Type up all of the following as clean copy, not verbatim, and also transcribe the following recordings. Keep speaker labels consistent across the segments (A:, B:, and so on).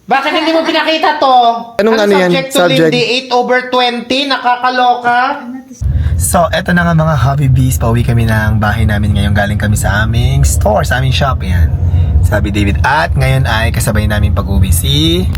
A: Bakit hindi mo pinakita to?
B: Anong ano yan?
A: Subject to
B: Subject?
A: Lindy, 8/20, nakakaloka.
B: So, eto na nga mga Hobby Bees. Pauwi kami ng bahay namin ngayon. Galing kami sa aming store, sa aming shop. Yan. Sabi David. At ngayon ay kasabay namin pag-uwi si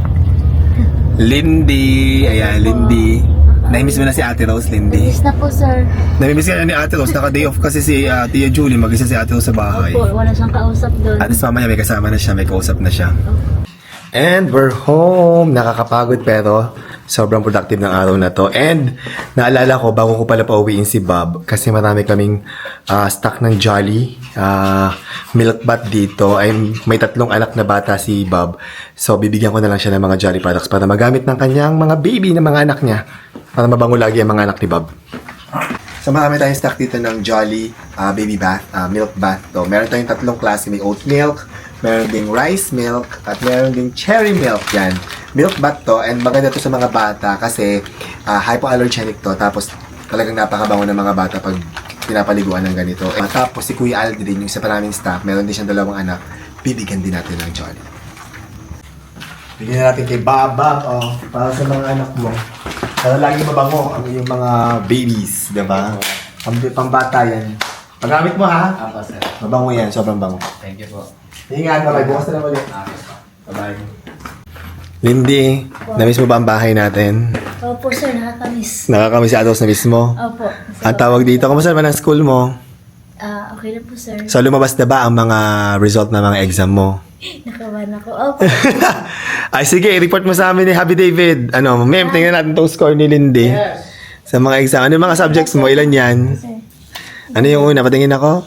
B: Lindy. Ayan, Lindy. Naimiss mo na si Ate Rose, Lindy.
C: Miss na po, sir.
B: Namimiss ka na ni Ate Rose. Naka-day off kasi si Tia Julie. Mag-isa si Ate Rose sa bahay.
C: Opo, wala siyang kausap doon.
B: At least mamaya may kasama na siya. May kausap na siya. And we're home. Nakakapagod pero sobrang productive ng araw na to. And naalala ko, bago ko pala pauwiin si Bob, kasi marami kaming stock ng Jolly milk bat dito. Ay, may 3 anak na bata si Bob. So, bibigyan ko na lang siya ng mga Jolly products para magamit ng kanyang mga baby na mga anak niya. Para mabango lagi ang mga anak ni Bob. So, marami tayong stock dito ng Jolly baby bath, milk bath. So, meron tayong 3 klase. May oat milk, meron ding rice milk, at meron ding cherry milk. Yan. Milk bath to, and maganda to sa mga bata kasi hypoallergenic to. Tapos, talagang napakabango ng mga bata pag pinapaliguan ng ganito. Tapos, si Kuya Aldrin, yung isa pa naming staff, meron din siyang 2 anak. Bibigyan din natin ng Jolly. Bigyan natin kay Baba, para sa mga anak mo. Para lagi mabango ang iyong mga babies, diba? Pambata yan. Pagamit mo ha?
A: Apa, sir.
B: Mabango yan, sobrang bango.
A: Thank you po.
B: Ingat, bye-bye. Bukas na lang ulit. Bye-bye. Lindy, namiss mo ba ang bahay natin?
C: Opo, sir, nakakamiss.
B: Nakakamiss si Atos na miss mo?
C: Opo.
B: Ang tawag dito, kamusta naman ang school mo?
C: Okay na po, sir.
B: So, lumabas na ba ang mga result ng mga exam mo?
C: Nakawan ako. Opo.
B: Ay, sige, i-report mo sa amin ni Happy David. Ano, ma'am, tingnan natin itong score ni Lindy.
A: Yes.
B: Sa mga exam. Ano yung mga subjects mo? Ilan yan?
C: Sir.
B: Ano yung una? Patingin ako?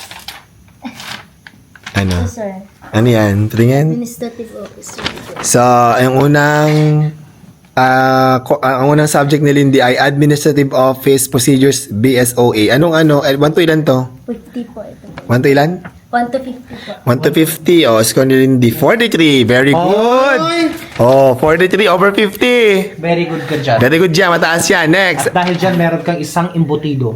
B: Ano?
C: Sir.
B: Ano yan? Patingin?
C: Administrative officer.
B: So, ang unang subject ni Lindy ay Administrative Office Procedures BSOA. Anong 1 to ilan to?
C: 50 po ito.
B: 1 to ilan?
C: 1 to 50 po.
B: 1 to 50. Oh, score ni Lindy. 43. Very good. Oh, 43 over 50.
A: Very good ka dyan.
B: Very good dyan. Mataas yan. Next.
A: At dahil dyan, meron kang isang embutido.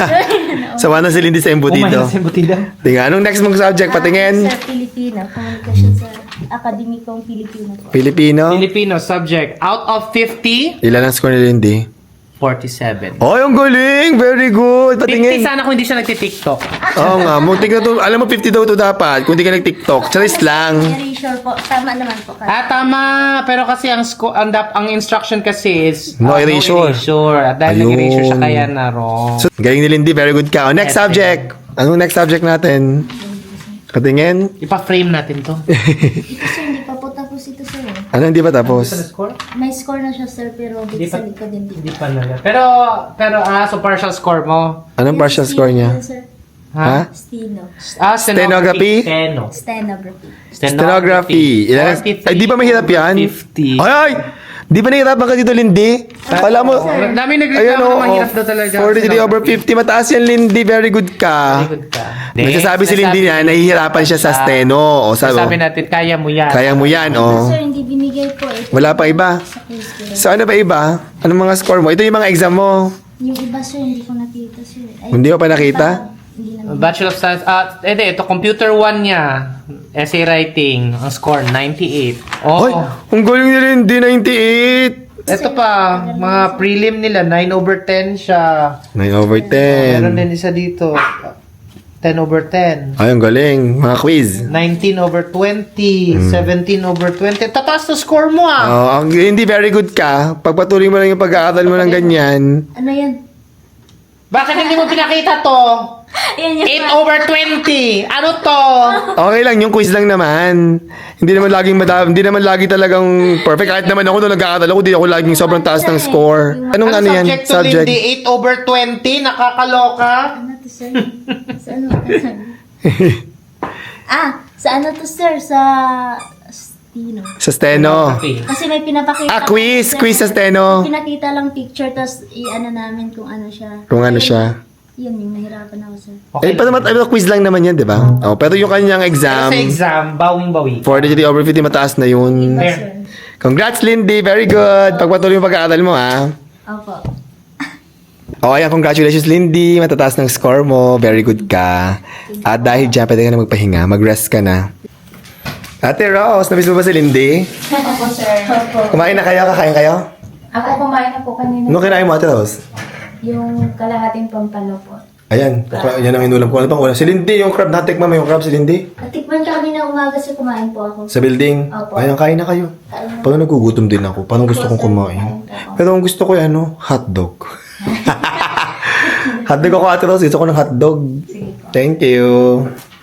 B: So, ano si Lindy sa embutido?
A: Sa embutido?
B: Tingnan. Anong next mong subject? Patingin.
C: Sir, Pilipino. Komunikasyon sa Akademikong Pilipino po.
B: Filipino.
A: Filipino subject. Out of 50,
B: Ilan ang score ni Lindy?
A: 47.
B: Oh, yung galing! Very good!
A: 50
B: Patingin!
A: sana kung hindi siya nagtitiktok.
B: Oo nga, muntik na to. Alam mo, 50 daw to dapat. Kung hindi ka nag-TikTok. Charis lang.
C: Erasure po. Tama naman po.
A: Tama. Pero kasi ang instruction kasi is
B: No erasure.
A: No erasure. At dahil
B: Ayun.
A: nag-erasure siya, kaya na wrong.
B: So, galing ni Lindy. Very good ka. Oh, next
A: Yes,
B: subject. Anong next subject natin? Patingin.
A: Ipa-frame natin to.
C: Ito, sir, hindi pa po tapos ito, sir.
B: Ano, hindi ba
A: Sa
B: tapos?
A: score?
C: May score na siya, sir, pero
A: Hindi
C: sa
A: pa-
C: likod din dito.
A: Hindi pa na. Pero so partial score mo.
B: Anong partial score niya?
C: Sir.
B: Ha?
C: Steno.
B: Stenography?
C: Stenography.
B: Stenography. Ilan? Ay, di ba mahirap yan?
A: 50.
B: Ay, ay! Di ba nahihirapan ka dito, Lindy? Kala mo,
A: Dami
B: ayun
A: nagreklamo
B: o,
A: na mahirap daw talaga.
B: 43 over 50. Mataas yan, Lindy. Very good ka.
A: Very good ka.
B: Nagsasabi si Lindy na nahihirapan siya sa steno. O,
A: Sabi natin, kaya mo yan.
B: kaya mo yan, o.
C: Sir, hindi binigay po. Ito
B: Wala pa iba.
C: sa quiz ko.
B: So, ano ba iba? Anong mga score mo? Ito yung mga exam mo.
C: Yung iba, sir, hindi ko nakita, sir. Ay,
B: Hindi mo pa nakita?
C: Hindi naman.
A: Bachelor of Science. Ito, computer 1 niya. Essay writing. Ang score, 98. Oh.
B: Hoy, ang galing ni Lindy, 98.
A: Ito pa, mga prelim nila, 9 over 10 siya.
B: 9 over
A: Meron
B: 10.
A: din isa dito, 10 over 10.
B: Ay, ang galing. Mga quiz.
A: 19 over 20, 17 over 20. Tataas na score mo ah!
B: Oh, ang hindi very good ka. Pagpatuloy mo lang yung pag-aaral mo ng ganyan.
C: Ano yan?
A: Bakit hindi mo pinakita to?
C: Ayan yung
A: 8 over 20! Ano to?
B: Okay lang, yung quiz lang naman. Hindi naman lagi talagang perfect. Kahit naman ako nung nag-aaral ako, di ako laging sobrang taas ng score. Anong ano yan?
A: subject to Lindy? 8 over 20? Nakakaloka?
C: Ano to, sir? Sa ano? Sa ano to, sir? Sa Steno.
B: Sa steno.
A: Okay.
C: Kasi may pinapakita.
B: Quiz!
C: sir.
B: Quiz sa steno.
C: Pinakita lang picture, tapos i-ano namin kung ano siya.
B: Kung ano siya.
C: Yun, yung nahirapan ako, sir.
A: Okay.
B: Eh, quiz lang naman yan, di ba? Oh, pero yung kanyang
A: Pero
B: exam,
A: sa exam, bawing-bawi.
B: 43 over 50, mataas na yun.
A: Fair.
C: Sir.
B: Congrats, Lindy. Very good. Pagpatuloy yung pag-aaral mo, ha?
C: Opo.
B: O, ayan, congratulations, Lindy. Matataas ng score mo. Very good ka. At dahil dyan, pwede ka na magpahinga. Mag-rest ka na. Ate Rose, namiss mo ba si Lindy?
D: Opo, sir.
C: Opo.
B: Kumain na kayo? Kakain kayo?
D: Ako kumain na po kanina.
B: Ano kinain mo, Ate Rose?
D: Yung kalahating pampano po.
B: Ayan, yan ang inulam ko. Ano pang ulam? Si Lindy, yung crab. Natikman mo yung crab si Lindy?
C: Natikman ka kanina umaga sa kumain po ako.
B: Sa building?
C: Opo.
B: Ayan, kain na kayo.
C: Kain na.
B: Parang nagugutom din ako. Parang gusto kong kumain. Pero ang gusto ko ay hotdog. Hotdog ako, Ate Rose. Gusto ko ng hotdog.
D: Sige po.
B: Thank you.